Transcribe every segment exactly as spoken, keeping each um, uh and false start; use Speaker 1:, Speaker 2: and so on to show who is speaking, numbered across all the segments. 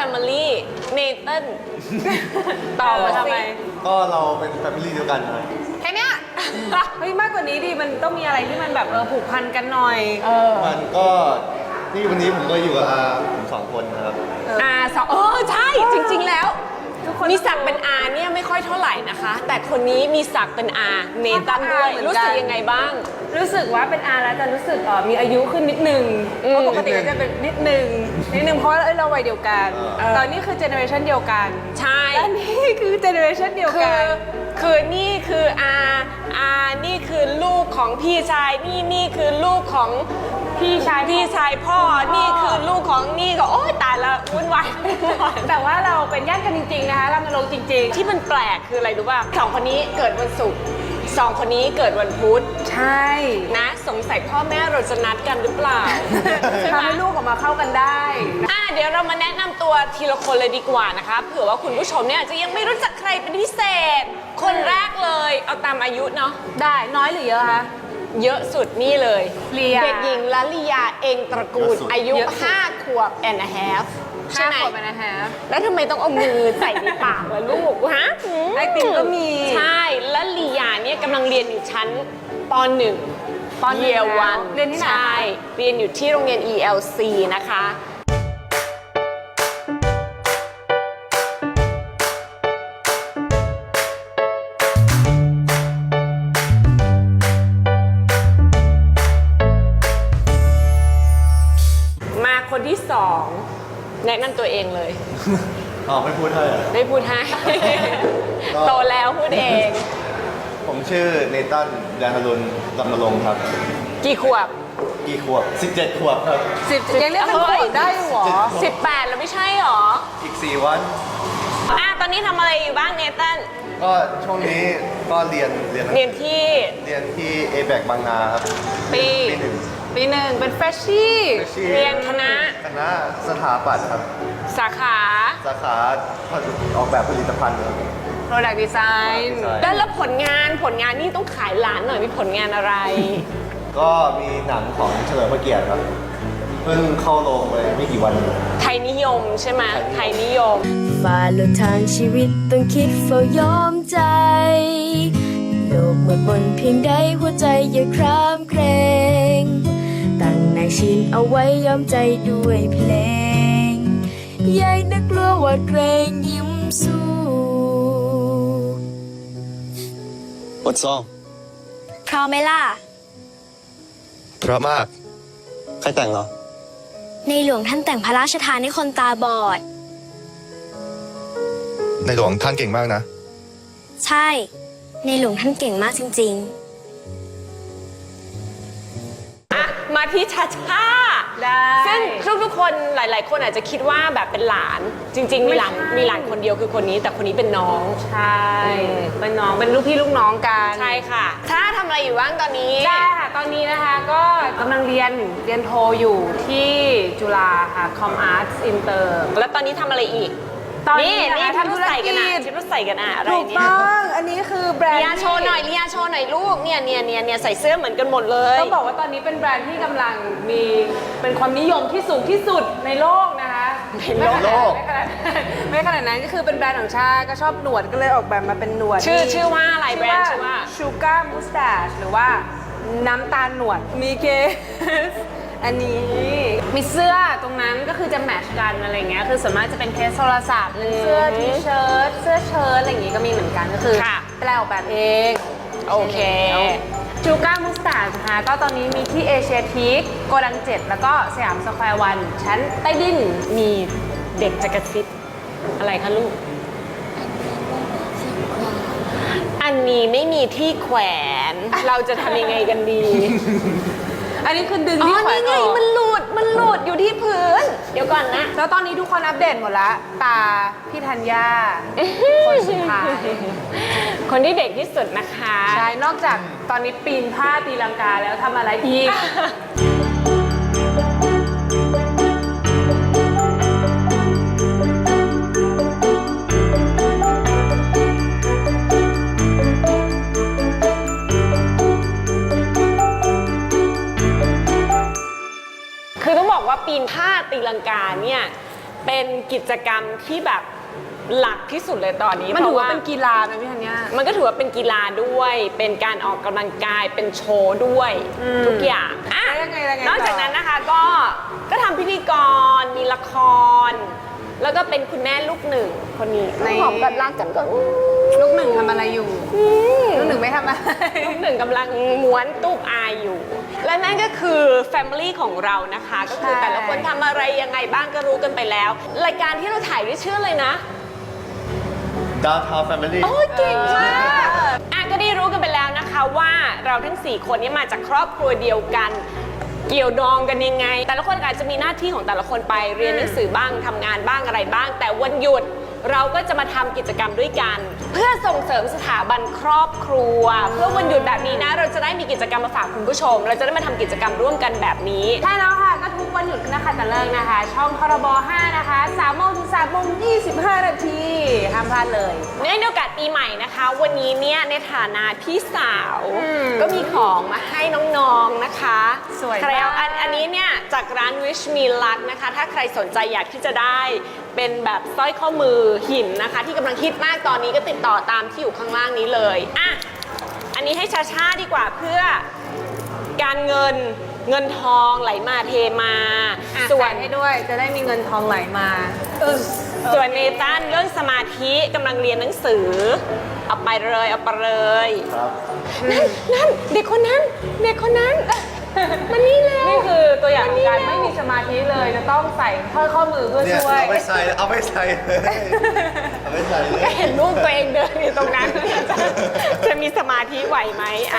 Speaker 1: Family เนเธอร์ต่อมาทำไม
Speaker 2: ก็เราเป็นแฟมิลี่เดียวกันนะ
Speaker 3: แค่เนี้ยเฮ้ยมากกว่านี้ดิมันต้องมีอะไรที่มันแบบเออผูกพันกันหน่อยเออ
Speaker 2: มันก็นี่วันนี้ผมก็อยู่กับอาผมสองคนนะครับ
Speaker 1: อาสองเออใช่จริงๆแล้วมีศักดิ์เป็นอาเนี่ยไม่ค่อยเท่าไหร่นะคะ แต่คนนี้มีศักดิ์เป็นอาเนตันด้วยรู้สึกยังไงบ้าง
Speaker 3: รู้สึกว่าเป็นอาแล้วจะรู้สึกเออมีอายุขึ้นนิดนึงเพราะปกติจะเป็นนิดนึงนิดนึงเพราะเราวัยเดียวกันตอนนี้คือเจเนอเรชันเดียวกัน
Speaker 1: ใช่
Speaker 3: และนี่คือเจเนอเรชันเดียวกัน
Speaker 1: คือนี่คืออาอานี่คือลูกของพี่ชายนี่นี่คือลูกของ
Speaker 3: พี่ชาย
Speaker 1: พี่ชายพ่อนี่คือลูกของนี่ก็โอ๊ยตายละวุ่นวาย
Speaker 3: แต่ว่าเราเป็นญาติกันจริงๆนะคะเรามาลงจริงๆ
Speaker 1: ที่มันแปลกคืออะไรรู้ป่ะสองคนนี้เกิดวันศุกร์สองคนนี้เกิดวันพุธ
Speaker 3: ใช่
Speaker 1: นะสงสัยพ่อแม่เราจะนัดกันหรือเปล่า
Speaker 3: ทำให้ลูกออกมาเข้ากันได้
Speaker 1: อ่ะเดี๋ยวเรามาแนะนำตัวทีละคนเลยดีกว่านะคะเผื่อว่าคุณผู้ชมเนี่ยจะยังไม่รู้จักใครเป็นพิเศษคนแรกเลยเอาตามอายุเนาะ
Speaker 3: ได้น้อยหรือเยอะคะ
Speaker 1: เยอะสุดนี่เลย
Speaker 3: เลีย
Speaker 1: เด็กหญิงละลิยาเองตระกูลอายุห้าขวบ and a half
Speaker 3: ใช่ไหมขวบ and a half
Speaker 1: แล้วทำไมต้องเอามือใส่ในปากล่ะลูกฮะ
Speaker 3: ไอติมก็มี
Speaker 1: ใช่และลิยาเนี่ยกำลังเรียนอยู่ชั้นป.หนึ่ง
Speaker 3: ป.หนึ่ง
Speaker 1: Year วัน
Speaker 3: เรียนที่ไหน
Speaker 1: ใช่เรียนอยู่ที่โรงเรียน อี แอล ซี นะคะคนที่สองแนะนำตัวเองเลย
Speaker 2: อ๋อไม่พูดให้
Speaker 1: ไม่พูดให้โตแล้วพูดเอง
Speaker 2: ผมชื่อเนตันยานรุณลำนรงค์ครับ
Speaker 1: กี่ขวบ
Speaker 2: กี่ขวบสิบเจ็ดขวบครับ
Speaker 3: สิบยังเรียกเป็นขวบได้หรอ
Speaker 1: สิบแปดแล้วไม่ใช่หรอ
Speaker 2: อีกสี่วัน
Speaker 1: อ่ะตอนนี้ทำอะไรอยู่บ้างเนตัน
Speaker 2: ก็ช่วงนี้ก็เรียนเรียน
Speaker 1: เรียนที่
Speaker 2: เรียนที่ เอ แบค บางนาครับ
Speaker 1: ปี
Speaker 2: ปีหนึ่ง
Speaker 3: ปีหนึ่งเป็นเฟรชชี่
Speaker 1: เรียนคณะ
Speaker 2: คณะสถาปัตย์ครับ
Speaker 1: สาขา
Speaker 2: สาขาออกแบบผลิตภัณฑ์
Speaker 3: Product Design
Speaker 1: แล้วแล้วผลงานผลงานนี่ต้องขายหลานหน่อยมีผลงานอะไร
Speaker 2: ก็มีหนังของเฉลิมพระเกียรติครับเพิ่งเข้าโรงไปไม่กี่วัน
Speaker 1: ไทยนิยมใช่ไหมไทยนิยม
Speaker 4: ฝ่าลนทางชีวิตต้องคิดเฝ้ายอมใจโลกมืดมนเพียงใดหัวใจอย่าครามเกรงตั้งนายชินเอาไว้ยอมใจด้วยเพลงยายนักกลัวหวาดเกรงยิ้มสู้
Speaker 5: What song
Speaker 4: พร้อมไหมล่ะ
Speaker 5: เพราะมากใครแต่งเหรอ
Speaker 4: ในหลวงท่านแต่งพระราชทานให้คนตาบอด
Speaker 5: ในหลวงท่านเก่งมากนะ
Speaker 4: ใช่ในหลวงท่านเก่งมากจริงๆ
Speaker 1: อ่ะมาที่ชาชา
Speaker 3: ได้
Speaker 1: ซึ่งทุกๆคนหลายๆคนอาจจะคิดว่าแบบเป็นหลานจริงๆมีหลานมีหลานคนเดียวคือคนนี้แต่คนนี้เป็นน้อง
Speaker 3: ใช่เป็นน้องเป็นลูกพี่ลูกน้องกัน
Speaker 1: ใช่ค่ะถ้าทำอะไรอยู่บ้างตอนนี้
Speaker 3: ใช่ค่ะตอนนี้นะคะก็กำลังเรียนเรียนโทอยู่ที่จุฬาค่ะ Com Arts Inter
Speaker 1: แล้วตอนนี้ทำอะไรอีก
Speaker 3: ตอนนี้
Speaker 1: นี่ทำธุรกิจกันอ่ะชุดใส่กันอ่ะอะไร
Speaker 3: เนี่ยถูกต้องอันนี้คือแบรนด์
Speaker 1: เลียโชว์หน่อยเลียโชว์หน่อยลูกเนี่ยเนี่ยเนี่ยเนี่ยใส่เสื้อเหมือนกันหมดเลย
Speaker 3: ต้องบอกว่าตอนนี้เป็นแบรนด์ที่กำลังมีเป็นความนิยมที่สูงที่สุดในโลกนะคะ
Speaker 1: ในโลก
Speaker 3: ไม่ขนาดไม่ขนาดนั้นก็คือเป็นแบรนด์ของชาก็ชอบหนวดก็เลยออกแบบมาเป็นหนวด
Speaker 1: ชื่อชื่อว่าอะไรแบรนด์ชื่อว่า
Speaker 3: Sugar Mustache หรือว่าน้ำตาลหนวดมีเคสอันนี้มีเสื้อตรงนั้นก็คือจะแมทช์กันอะไรเงี้ยคือส่วนมากจะเป็นเคสโทรศัพท์เสื้อทีเชิ้ตเสื้อเชิ้ตอะไรอย่างงี้ก็มีเหมือนกันก็คือแปลออกแบบเอง
Speaker 1: โอเค
Speaker 3: ชูการ์มุสตาร์ดนะคะก็ตอนนี้มีที่เอเชียทีคโกดังเจ็ดแล้วก็สยามสแควร์วันชั้นใต้ดิน
Speaker 1: มีเด็กจะกระซิบอะไรคะลูกอันนี้ไม่มีที่แขวนเราจะทำยังไงกันดี
Speaker 3: อันนี้คือดึงที่แขวนออก
Speaker 1: อ๋อนี่ไงมันหลุดมันหลุดอยู่ที่พื้นเดี๋ยวก่อนนะ
Speaker 3: แล้วตอนนี้ทุกคนอัปเดตหมดละตาพี่ธัญญาคนสุดท้าย
Speaker 1: คนที่เด็กที่สุดนะคะ
Speaker 3: ใช่นอกจากตอนนี้ปีนผ้าตีลังกาแล้วทำอะไรอีก
Speaker 1: คือต้องบอกว่าปีนผ้าตีลังกาเนี่ยเป็นกิจกรรมที่แบบหลักที่สุดเลยตอนนี้
Speaker 3: มันถือว่า
Speaker 1: พระ
Speaker 3: เป็นกีฬาไหมพี่ธัญญา
Speaker 1: มันก็ถือว่าเป็นกีฬาด้วย เป็นการออกกำลังกายเป็นโชว์ด้วยทุกอย่างอ่ะ
Speaker 3: แล้วยังไงยังไง
Speaker 1: นอกจาก
Speaker 3: ต่อ
Speaker 1: นั้นนะคะก็ก็ทำพิธีกรมีละคร แล้วก็เป็นคุณแม่ลูกหนึ่งคนนี้หอมกันรักกันก็
Speaker 3: ลูกหนึ่งทำอะไรอยู่ลูกหนึ่งไม่ทำอะไร
Speaker 1: ลูกหนึ่งกำลังม้วนตูบอายอยู่ และนั่นก็คือ Family ของเรานะคะ ก็คือ
Speaker 3: ใช่
Speaker 1: แต่ละคนทำอะไรยังไงบ้างก็รู้กันไปแล้ว รายการที่เราถ่ายด้วยชื่อเลยนะ
Speaker 2: Downtown Family
Speaker 1: โอ้ยเก่งมากอ่ะก็ได้รู้กันไปแล้วนะคะว่าเราทั้งสี่คนนี้มาจากครอบครัวเดียวกัน เกี่ยวดองกันยังไง แต่ละคนอาจจะมีหน้าที่ของแต่ละคนไปเรียนหนังสือบ้างทำงานบ้างอะไรบ้าง แต่วันหยุดเราก็จะมาทำกิจกรรมด้วยกัน เพื่อส่งเสริมสถาบันครอบครัว เพื่อวันหยุดแบบนี้นะเราจะได้มีกิจกรรมมาฝากคุณผู้ชม เราจะได้มาทำกิจกรรมร่วมกันแบบนี้
Speaker 3: ใช่แล้วค่ะ ก็ทุกวันหยุดนะคะแต่เลิกนะคะ ช่องพรบห้านะคะสามโมงถึงสามโมงยี่สิบห้านาทีห้ามพลาดเลย
Speaker 1: เนื่องในโอกาสปีใหม่นะคะ วันนี้เนี่ยในฐานะพี่สาว
Speaker 3: อืม
Speaker 1: ก็มีของมาให้น้องๆนะคะ
Speaker 3: สวย
Speaker 1: ใครเอา
Speaker 3: มาก
Speaker 1: อันอันนี้เนี่ยจากร้าน Wish Me Luck นะคะ ถ้าใครสนใจอยากที่จะได้เป็นแบบสร้อยข้อมือหินนะคะ ที่กำลังฮิตมากตอนนี้ก็ติดต่อตามที่อยู่ข้างล่างนี้เลยอ่ะอันนี้ให้ชาชาดีกว่าเพื่อการเงินเงินทองไหลมาเทมา
Speaker 3: อ่ะ
Speaker 1: ส่ว
Speaker 3: ใส่
Speaker 1: น
Speaker 3: ให้ด้วยจะได้มีเงินทองไหลมาเออ
Speaker 1: ส่วนเนตันเรื่องสมาธิกำลังเรียนหนังสือ เอาไปเลยเอาไปเลย
Speaker 2: ครับ
Speaker 1: นั่นนั่นเด็กคนนั้นเด็กคนนั้นมันนี่แล้ว
Speaker 3: นี่คือตัวอย่างของการไม่มีสมาธิเลยจะต้องใส่ข้อข้อมือเพื่อ
Speaker 2: เนี่ย
Speaker 3: ช่วย
Speaker 2: เอาไปใส่ เอาไปใส่เลยเอาไปใส่เลย
Speaker 1: ก็เห็นลูกตัวเองเดินอยู่ตรงนั้น จะจะมีสมาธิไหวไหมอ่ะ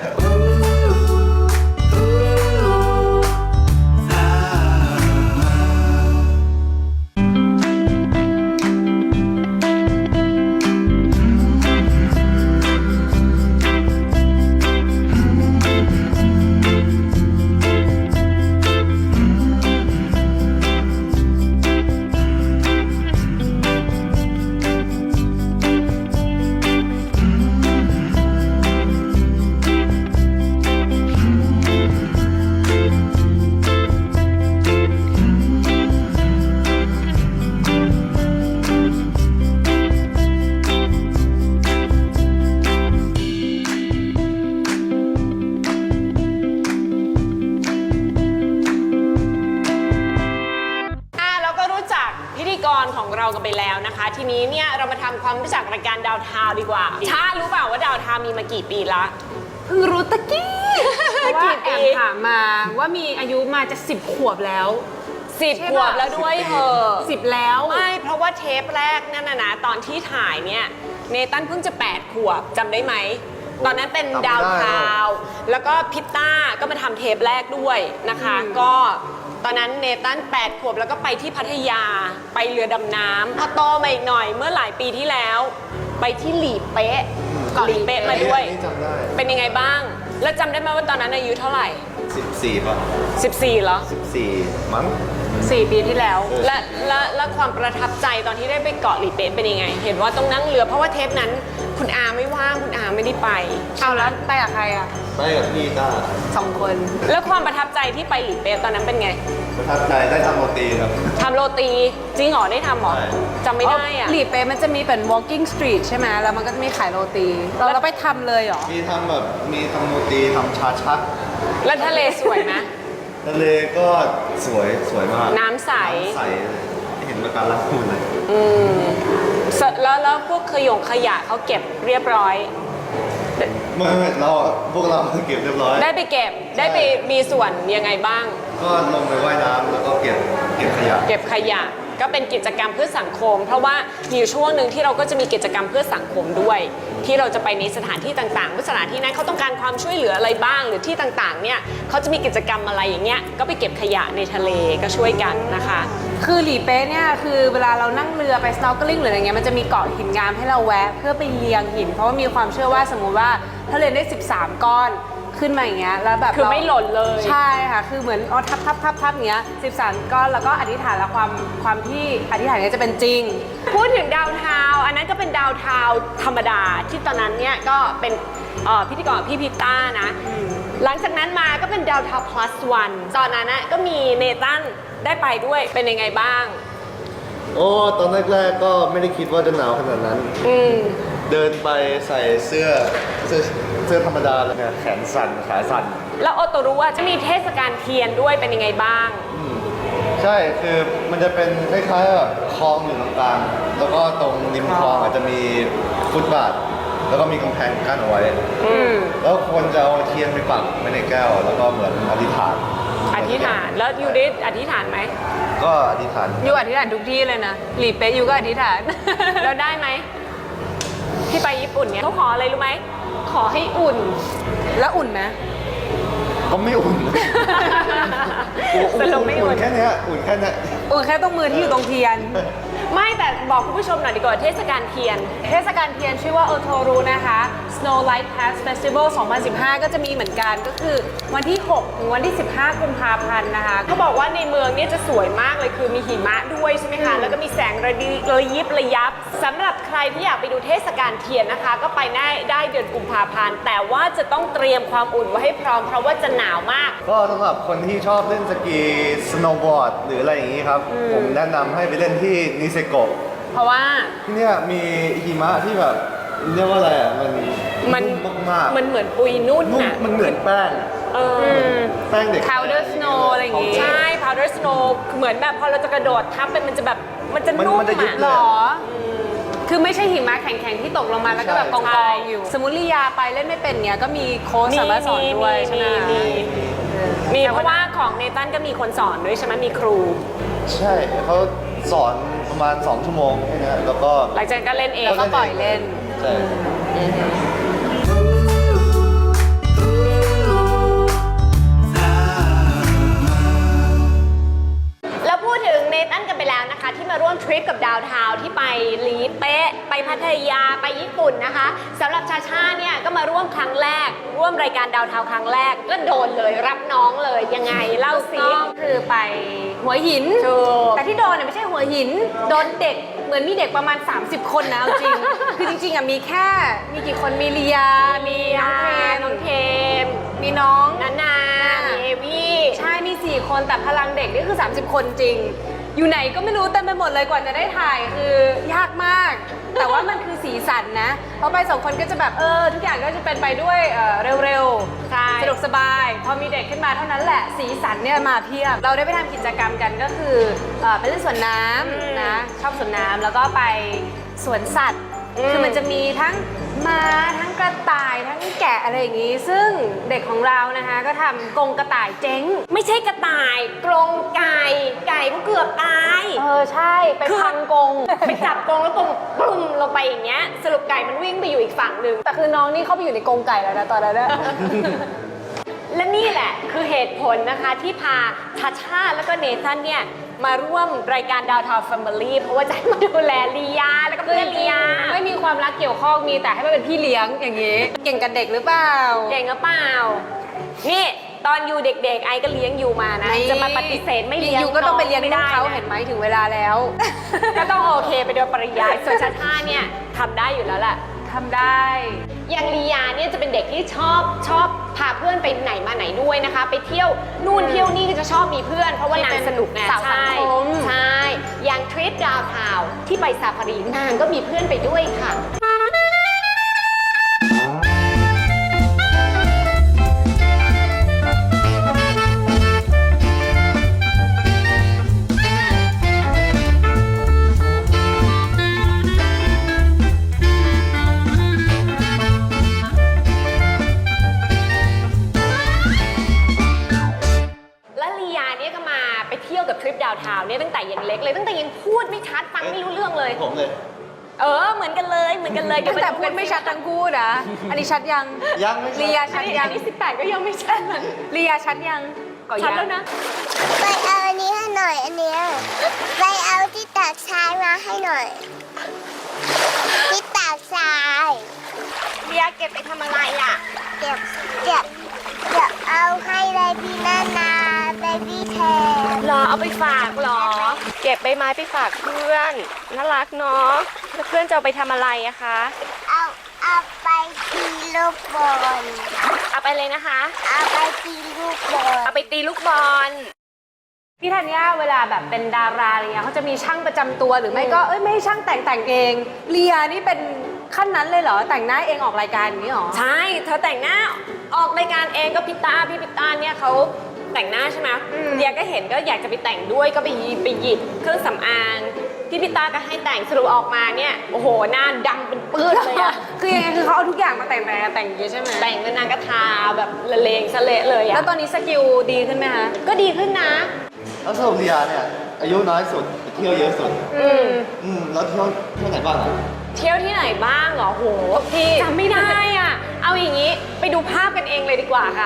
Speaker 1: อ่ะเราก็รู้จักพิธีกรของเรากันไปแล้วนะคะ ทีนี้เนี่ยเรามาทำความรู้จักรายการดาวทาวน์ดีกว่าชารู้เปล่าว่าดาวทาวน์มีมากี่ปีละ
Speaker 3: เพิ่งรู้ตะกี้เพราะว่า
Speaker 1: กี่ปี
Speaker 3: แอบถามมาว่ามีอายุมาจะสิบขวบแล้ว
Speaker 1: สิบ
Speaker 3: ใช่
Speaker 1: ข
Speaker 3: ปะ
Speaker 1: วบแล้วด้วยเหอะ
Speaker 3: สิบแล้ว
Speaker 1: ไม่เพราะว่าเทปแรกนั่นนะนะตอนที่ถ่ายเนี่ยเนตันเพิ่งจะแปดขวบจำได้ไหม ตอนนั้นเป็นดาวทาวน์แล้วก็พิตต้าก็มาทำเทปแรกด้วยนะคะ ก็ตอนนั้นเนตันแปดขวบแล้วก็ไปที่พัทยาไปเรือดำน้ำพอโตมาอีกหน่อยเมื่อหลายปีที่แล้ว ไปที่หลีเป๊ะเกาะหลีเป๊ะมาด้วย
Speaker 2: นี่จำได้
Speaker 1: เป็นยังไงบ้าง แล้วจำได้ไหมว่าตอนนั้นอายุเท่าไหร่
Speaker 2: สิบสี่ป่ะ
Speaker 1: สิบสี่เหรอ
Speaker 2: สิบสี่มั้ง
Speaker 3: สี่ปีที่แล้ว
Speaker 1: และและและความประทับใจตอนที่ได้ไปเกาะหลีเป๊ะเป็นยังไง เห็นว่าต้องนั่งเรือเพราะว่าเทปนั้นคุณอาไม่ว่างคุณอาไม่ได้ไป
Speaker 3: เอาแล้วไปกับใครอ่ะ
Speaker 2: ไปกับพี่ต้า
Speaker 3: สองคน
Speaker 1: แล้วความประทับใจที่ไปหลีเป๊ะตอนนั้นเป็นไง
Speaker 2: ประทับใจได้ทำโรตีครับ
Speaker 1: ทำโรตีจริงเหรอได้ทำเหรอ
Speaker 2: ใช่
Speaker 1: จำไม่ได้อะ
Speaker 3: หลีเป๊ะมันจะมีเป็น walking street ใช่ไหมแล้วมันก็จะมีขายโรตีเราเราไปทำเลยเหรอ
Speaker 2: มีทำแบบ มีทำโรตีทำชาชัก
Speaker 1: แล้วทะเลสวยไหม
Speaker 2: ทะเลก็สวย สวยมาก
Speaker 1: น้ำใส
Speaker 2: น้ำใสเลยไม่เห็นปะการังพูดเลย
Speaker 1: อืมเสร็จแล้วแล้วพวกขยงขยะเขาเก็บเรียบร้อย
Speaker 2: ไม่ไม่เราพวกเราเก็บเรียบร้อย
Speaker 1: ได้ไปเก็บได้ไปมีส่วนยังไงบ้าง
Speaker 2: ก็ลงไปว่ายน้ำแล้วก็เก็บ เก็บขยะ
Speaker 1: เก็บขยะก็เป็นกิจกรรมเพื่อสังคม เพราะว่ามีอยู่ช่วงหนึ่งที่เราก็จะมีกิจกรรมเพื่อสังคมด้วย ที่เราจะไปในสถานที่ต่างๆว่าสถานที่นั้นเขาต้องการความช่วยเหลืออะไรบ้าง หรือที่ต่างๆเนี่ยเขาจะมีกิจกรรมอะไรอย่างเงี้ยก็ไปเก็บขยะในทะเลก็ช่วยกันนะคะ
Speaker 3: คือหลีเป๊ะเนี่ยคือเวลาเรานั่งเรือไป snorkeling หรืออะไรเงี้ยมันจะมีเกาะหินงามให้เราแวะเพื่อไปเลียงหิน เพราะว่ามีความเชื่อว่าสมมุติว่าถ้าเรียนได้สิบสามก้อนขึ้นมาอย่างเงี้ยแล้วแบบ
Speaker 1: คือ
Speaker 3: เรา
Speaker 1: ไม่หล่นเลย
Speaker 3: ใช่ค่ะคือเหมือนเอาทับทับทับทับอย่างเงี้ยสิบสามก้อนแล้วก็อธิษฐานแล้วความความที่อธิษฐานเนี้ยจะเป็นจริง
Speaker 1: พูดถึงดาวเทาวน์อันนั้นก็เป็นดาวเทาวน์ธรรมดาที่ตอนนั้นเนี่ยก็เป็นเอ่อพิธีกรพี่พิต้านะ หลังจากนั้นมาก็เป็นดาวเทาวน์ plus one ตอนนั้นนะก็มีเนตันได้ไปด้วยเป็นยังไงบ้าง
Speaker 2: โอ้ตอนแรกๆก็ไม่ได้คิดว่าจะหนาวขนาดนั้น
Speaker 1: อืม
Speaker 2: เดินไปใส่เสื้อเสื้อเสื้อธรรมดาเลยไงแขนสั่นขาสั่น
Speaker 1: แล้วโอโตรู้ว่าจะมีเทศกาลเทียนด้วยเป็นยังไงบ้าง
Speaker 2: ใช่คือมันจะเป็นคล้ายๆแบบคลองอยู่ตรงกลางแล้วก็ตรงริมคลองอาจจะมีฟุตบาท แล้วก็มีกำแพงกั้นเอาไว้
Speaker 1: อืม
Speaker 2: แล้วคนจะเอาเทียนไปปักไว้ในแก้ว แล้วก็เหมือนอธิษฐาน
Speaker 1: อธิษฐานแล้วยูได้อธิษฐานไหม
Speaker 2: ก็อธิษฐาน
Speaker 3: อยู่อธิษฐานทุกที่เลยนะหลีเป๊ะอยู่ก็อธิษฐาน
Speaker 1: แล้วได้ไหมที่ไปญี่ปุ่นเนี่ยเขาขออะไรรู้ไหมขอให้อุ่น
Speaker 3: แล้วอุ่นไหม
Speaker 2: ก็ไม่อุ่น
Speaker 1: สรุปไม่อุ่น
Speaker 2: แค่เนี้ยอุ่นแค่เนี้ย
Speaker 3: อุ่นแค่ตรงมือที่อยู่ตรงเทียน
Speaker 1: ไม่แต่บอกคุณผู้ชมหน่อยดีกว่าเทศกาลเทียน
Speaker 3: เทศกาลเทียนชื่อว่าโอโทรุนะคะ Snow Light Pass Festival สองพันสิบห้า ก็จะมีเหมือนกันก็คือวันที่ หก ถึงวันที่ สิบห้า กุมภาพันธ์นะคะ
Speaker 1: เขาบอกว่าในเมืองเนี่ยจะสวยมากเลยคือมีหิมะด้วยใช่ไหมคะ แล้วก็มีแสงระดิระยิบระยับสำหรับใครที่อยากไปดูเทศกาลเทียนนะคะ ก็ไปได้ได้เดือนกุมภาพันธ์แต่ว่าจะต้องเตรียมความอุ่นไว้ให้พร้อมเพราะว่าจะหนาวมาก
Speaker 2: ก็สำหรับคนที่ชอบเล่นสกีสโนว์บอร์ดหรืออะไรอย่างนี้ครับ ผมแนะนำให้ไปเล่นที่นิเซโกะ
Speaker 1: เพราะว่า
Speaker 2: ที่เนี่ยมีหิมะที่แบบเรียกว่าอะไรอ่ะ มัน
Speaker 1: มัน
Speaker 2: นุ่มมากๆ
Speaker 1: มันเหมือนปุยนุ่น
Speaker 2: นุ่ม
Speaker 1: น่ะ
Speaker 2: มันเหมือนแป้ง
Speaker 1: เออ
Speaker 2: แป้งเด็ก
Speaker 3: Powder Snow อะไรอย่างงี้
Speaker 1: ใช่ powder snow เหมือนแบบพอเราจะกระโดดทับไปมันจะแบบมันจะ
Speaker 2: มัน
Speaker 1: นุ่ม
Speaker 2: มันจะยุบ
Speaker 1: อ่ะ
Speaker 2: เล
Speaker 3: หร
Speaker 2: ย
Speaker 3: อ คือไม่ใช่หิมะแข็งๆที่ตกลงมาแล้วก็แบบก
Speaker 1: ใช่
Speaker 3: องๆอยู่ สมมติลียาไปเล่นไม่เป็นเนี้ยก็มีโค้ชสามารถสอนด้วยใช่ไหม
Speaker 1: มีมีเพราะว่าของเนตันก็มีคนสอนด้วยใช่ไหมมีครู
Speaker 2: ใช่เขาสอนประมาณ สอง ชั่วโมงแค่เนี้ยแล้วก็
Speaker 1: หลังจากนั้นก็เล่นเอง
Speaker 3: แล้วก็ปล่อยเล่น
Speaker 2: ใช่
Speaker 1: แล้วพูดถึงเนตันกันไปแล้วนะคะ ที่มาร่วมทริปกับดาวทาวน์ที่ไปลีเป๊ะไปพัทยาไปญี่ปุ่นนะคะสำหรับชาชาเนี่ยก็มาร่วมครั้งแรก ร่วมรายการดาวทาวน์ครั้งแรกก็โดนเลยรับน้องเลยยังไงเล่าสิ
Speaker 3: ก็คือไปหัวหิน
Speaker 1: ถูก
Speaker 3: แต่ที่โดนเนี่ยไม่ใช่หัวหิน โดนเด็ก เหมือนมีเด็กประมาณ สามสิบ คนนะเอาจริง คือจริงๆอ่ะมีแค่ มีกี่คน มีลียา มีน้องเพม
Speaker 1: น้องเทม
Speaker 3: มีน้อง
Speaker 1: นานามีเอวี่
Speaker 3: ใช่ มี สี่ คนแต่พลังเด็กนี่คือ สามสิบ คนจริง อยู่ไหนก็ไม่รู้เต็มไปหมดเลยกว่าจะได้ถ่ายคือยากมาก แต่ว่ามันคือสีสันนะ เพราะไปสองคนก็จะแบบเออทุกอย่างก็จะเป็นไปด้วยเอ่อเร็ว
Speaker 1: ใช่
Speaker 3: ๆ สะดวกสบาย พอมีเด็กขึ้นมาเท่านั้นแหละ สีสันเนี่ยมาเพียบ เราได้ไปทำกิจกรรมกันก็คือเอ่อไปเล่นสวนน้ำนะ ชอบสวนน้ำแล้วก็ไปสวนสัตว์ คือมันจะมีทั้งม้าทั้งกระต่ายทั้งแกะอะไรอย่างนี้ ซึ่งเด็กของเรานะคะก็ทำกรงกระต่ายเจ๊ง
Speaker 1: ไม่ใช่กระต่ายกรงไก่ไก่ก็เกือบตาย
Speaker 3: เออใช่ ไป
Speaker 1: คือ
Speaker 3: พังกรง
Speaker 1: ไปจับกรงแล้วกรงปลุ่มลงไปอย่างเงี้ยสรุปไก่มันวิ่งไปอยู่อีกฝั่งหนึ่ง
Speaker 3: แต่คือน้องนี่เข้าไปอยู่ในกรงไก่แล้วนะตอนนั้นนะ
Speaker 1: และนี่แหละคือเหตุผลนะคะที่พาชาชาแล้วก็เนธันเนี่ยมาร่วมรายการดาวทาวน์แฟมิลี่เพราะว่าจะให้มาดูแลลียาแล้วก็
Speaker 3: คือ
Speaker 1: เพื่อน
Speaker 3: จ
Speaker 1: ลี
Speaker 3: ริง
Speaker 1: ยา
Speaker 3: ๆไม่มีความรักเกี่ยวข้องมีแต่ให้มาเป็นพี่เลี้ยงอย่างนี้ เก่งกับเด็กหรือเปล่า
Speaker 1: เก่งหรือเปล่า นี่ตอนอยู่เด็กๆไอก็เลี้ยงอยู่มานะ จะมาปฏิเสธไม่เลี้ยง
Speaker 3: อยู่ก็ต้องไปเลี้ยง
Speaker 1: ไม่
Speaker 3: ลูก
Speaker 1: ได้
Speaker 3: เขา
Speaker 1: นะ
Speaker 3: เห็นไหมถึงเวลาแล้ว
Speaker 1: ก็ต้องโอเคไปโดยปริยายส่วนชาชาเนี่ยทำได้อยู่แล้วแหละ
Speaker 3: ทำได้
Speaker 1: อย่างลียาเนี่ยจะเป็นเด็กที่ชอบชอบพาเพื่อนไปไหนมาไหนด้วยนะคะ ไปเที่ยวนู่นเที่ยวนี่ก็จะชอบมีเพื่อน เพราะว่านางสนุกไง
Speaker 3: สาวสัง
Speaker 1: ใช่
Speaker 3: คม
Speaker 1: ใช่อย่างทริปดาวทาวน์ที่ไปซาฟารีนางก็มีเพื่อนไปด้วยค่ะ และลียาเนี่ยก็มาไปเที่ยวกับทริปดาวทาวน์เนี่ยตั้งแต่ยังเล็กเลยตั้งแต่ยังพูดไม่ชัดฟังไม่รู้เรื่องเลย
Speaker 2: ผมเลย
Speaker 1: เออเหมือนกันเลยเหมือนกันเลย
Speaker 3: ตั้งแต่พูดไม่ชัดทั้งคู่นะ อันนี้ชัดยัง
Speaker 2: ยังไม่ชัด
Speaker 3: ลียา
Speaker 1: ชั
Speaker 3: ชั
Speaker 1: ด
Speaker 3: ด
Speaker 1: ยั
Speaker 3: ยัง ง
Speaker 1: นี่สิบแปดก็ยังไม่ชัดเลย
Speaker 3: ลียาชัดยังก่อ
Speaker 1: ชัด
Speaker 3: ยัง
Speaker 1: แล้วนะ
Speaker 6: ไปเอาอันนี้ให้หน่อยอันเนี้ยไปเอาที่ตากทรายมาให้หน่อย ที่ตากทราย
Speaker 1: เลียเก็บไปทำอะไรอ่ะ
Speaker 6: เก็บเก็บเก็บเอาให้เบบี้นานาเบบี้แทน
Speaker 1: หรอเอาไปฝากหรอ เก็บใบไม้ไปฝากเพื่อนน่ารักเนาะแล้วเพื่อนจะเอาไปทำอะไรอะคะ
Speaker 6: เอาเอาไปตีลูกบอล
Speaker 1: เอาไปเลยนะคะ
Speaker 6: เอาไปตีลูกบอล
Speaker 1: เอาไปตีลูกบอล
Speaker 3: พี่ธัญญาเวลาแบบเป็นดาราอะไรเงี้ยเขาจะมีช่างประจำตัวหรือไม่ก็เอ้ยไม่ให้ช่างแต่งแต่งเองเลียนี่เป็นขั้นนั้นเลยเหรอแต่งหน้าเองออกรายการอย่างนี้เหรอ
Speaker 1: ใช่ เธอแต่งหน้าออกรายการเองก็พิตาพี่พิตาเนี่ยเขาแต่งหน้าใช่ไหมเดียก็เห็นก็อยากจะไปแต่งด้วยก็ไปหยิบไปหยิบเครื่องสำอางพี่พิตาก็ให้แต่งสรุปออกมาเนี่ยโอ้โหหน้าดำเป็นปื้ดเลยอะ
Speaker 3: คือยังไงคือเขาเอาทุกอย่างมาแต่งแต่งแต่งอย่างนี้ใช่ไหม
Speaker 1: แต่งเป็นนางกระทาแบบละเลงสะเละเลยอะ
Speaker 3: แล้วตอนนี้สกิลดีขึ้นไหมคะ
Speaker 1: ก็ดีขึ้นนะ
Speaker 2: แล้วสรุปลียาเนี่ยอายุน้อยสุดเที่ยวเยอะสุด
Speaker 1: อืม
Speaker 2: อืมแล้วเที่ยวเที่ยวไหนบ้างอ่ะ
Speaker 1: เที่ยวที่ไหนบ้างเหรอโหพี่จำไม่ได้อ่ะ เอาอย่างนี้ไปดูภาพกันเองเลยดีกว่าค่ะ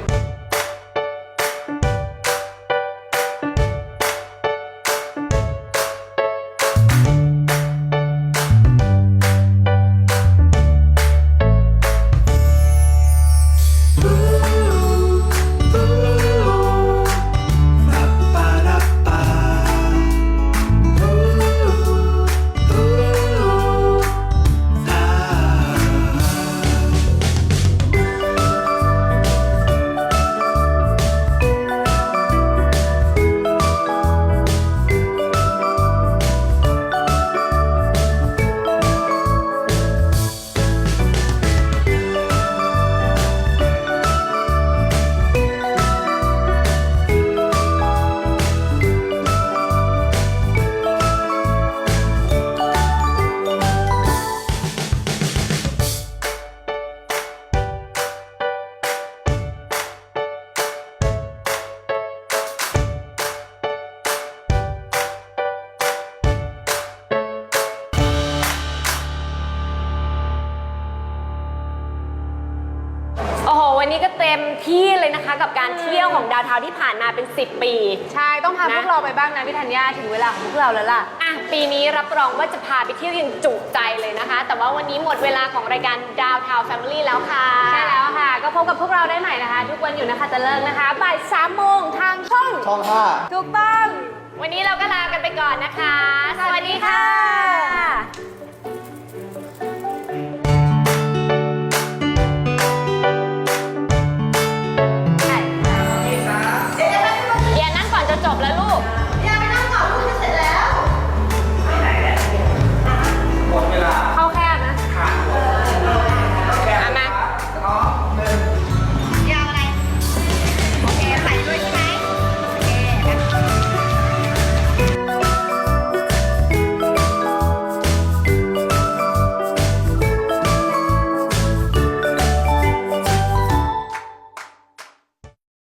Speaker 1: โอ้โห วันนี้ก็เต็มที่เลยนะคะ กับการเที่ยวของดาวเทาวน์ที่ผ่านมาเป็น สิบ ปี
Speaker 3: ใช่ต้องพา
Speaker 1: นะ
Speaker 3: พวกเราไปบ้างนะพี่ธัญญาถึงเวลาของพวกเราแล้วล่ะ
Speaker 1: อ่ะปีนี้รับรองว่าจะพาไปเที่ยวอย่างจุใจเลยนะคะ แต่ว่าวันนี้หมดเวลาของรายการดาวเทาวน์แฟมิลี่แล้วค่ะ
Speaker 3: ใช่แล้วค่ะ ก็พบกับพวกเราได้ใหม่นะคะ ทุกวันอยู่นะคะจะเลิกนะคะบ่ายสามโมงทางช่อง
Speaker 2: ช่องห้า
Speaker 3: ถูกต้อง
Speaker 1: วันนี้เราก็ลากันไปก่อนนะคะ สวัสดีค่ะ
Speaker 3: สวัสดีค่ะ